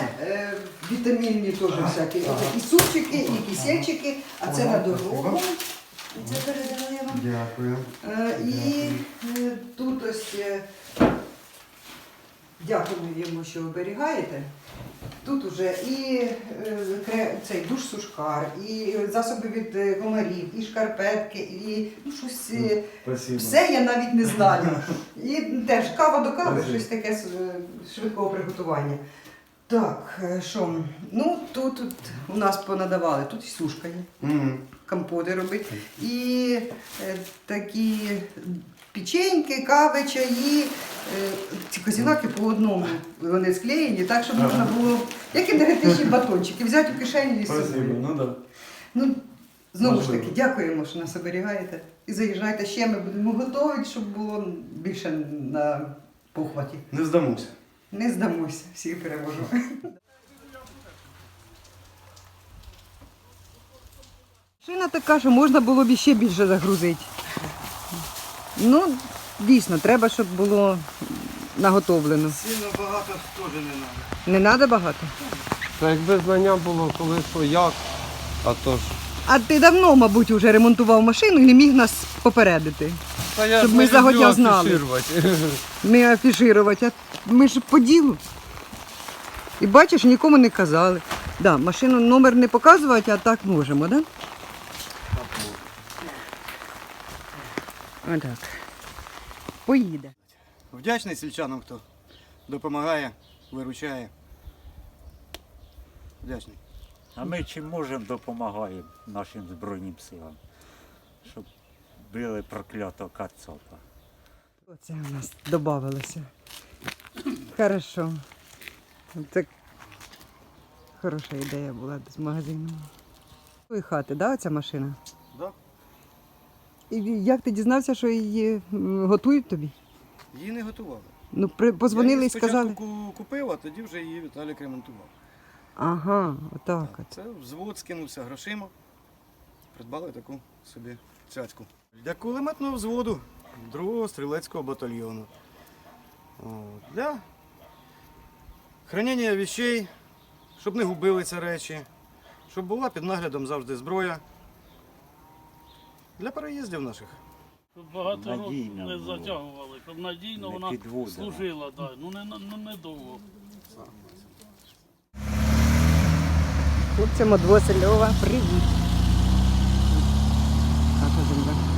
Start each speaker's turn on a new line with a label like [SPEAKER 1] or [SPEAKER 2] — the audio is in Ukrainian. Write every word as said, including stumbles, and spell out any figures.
[SPEAKER 1] е, вітамінні теж всякі. І супчики, і кисельчики, а це на дорогу. Це передала я вам.
[SPEAKER 2] Дякую.
[SPEAKER 1] Е, І е, тут ось е, дякую йому, що оберігаєте. Тут уже і е, кре- цей душ-сушкар, і засоби від е, комарів, і шкарпетки, і ну, щось. е,
[SPEAKER 2] Спасибо.
[SPEAKER 1] Все я навіть не знаю. І теж кава до кави,
[SPEAKER 2] Спасибо.
[SPEAKER 1] щось таке з е, швидкого приготування. Так, е, що? Ну, тут, тут у нас понадавали, тут і сушка є,
[SPEAKER 2] Мгм.
[SPEAKER 1] компоти робить, і е, такі печеньки, кави, чаї, е, ці козінаки по одному, вони склеєні, так, щоб можна було, як енергетичні батончики, взяти у кишені і
[SPEAKER 2] Спасибо,
[SPEAKER 1] собі.
[SPEAKER 2] ну да.
[SPEAKER 1] Ну, знову ж
[SPEAKER 2] Можливо.
[SPEAKER 1] таки, дякуємо, що нас оберігаєте. І заїжджайте ще, ми будемо готувати, щоб було більше на похваті.
[SPEAKER 2] Не здамуся.
[SPEAKER 1] Не здамося, всіх переможемо. Машина така, що можна було б ще більше загрузити. Ну, дійсно, треба, щоб було наготовлено.
[SPEAKER 2] Сильно багато теж не треба.
[SPEAKER 1] Не треба багато?
[SPEAKER 3] Та якби знання було коли що як, а то ж.
[SPEAKER 1] А ти давно, мабуть, вже ремонтував машину і не міг нас попередити.
[SPEAKER 3] Та я
[SPEAKER 1] Щоб
[SPEAKER 3] ж
[SPEAKER 1] ми
[SPEAKER 3] не
[SPEAKER 1] загодя
[SPEAKER 3] люблю
[SPEAKER 1] знали.
[SPEAKER 3] афішувати.
[SPEAKER 1] Не афішувати, а ми ж по ділу. І бачиш, нікому не казали. Да, машину номер не показувати, а так можемо, так? Да? Отак. Поїде.
[SPEAKER 2] Вдячний сільчанам, хто допомагає, виручає. Вдячний.
[SPEAKER 4] А ми чим можемо допомагаємо нашим Збройним силам, щоб били проклятого кацапа.
[SPEAKER 1] Оце у нас додавалося. Хорошо. Це хороша ідея була з магазину. Твої хати, да, оця машина?
[SPEAKER 2] Да.
[SPEAKER 1] І як ти дізнався, що її м, готують тобі?
[SPEAKER 2] Її не готували.
[SPEAKER 1] Ну, при, позвонили
[SPEAKER 2] Я
[SPEAKER 1] і
[SPEAKER 2] її
[SPEAKER 1] сказали.
[SPEAKER 2] спочатку купив, а тоді вже її Віталік ремонтував.
[SPEAKER 1] Ага, отак от.
[SPEAKER 2] Це взвод скинувся грошима. Придбали таку собі цяцьку. Для кулеметного взводу другого стрілецького батальйону. О, для хранення вещей, щоб не губилися речі, щоб була під наглядом завжди зброя. Для переїздів наших.
[SPEAKER 5] Щоб багато років
[SPEAKER 4] Надійно
[SPEAKER 5] не
[SPEAKER 4] було.
[SPEAKER 5] затягували, щоб надійно
[SPEAKER 4] Не
[SPEAKER 5] вона
[SPEAKER 4] підводила.
[SPEAKER 5] служила, да. ну не, ну, не довго.
[SPEAKER 1] Хлопцям од Васильова привіт. Хата земля.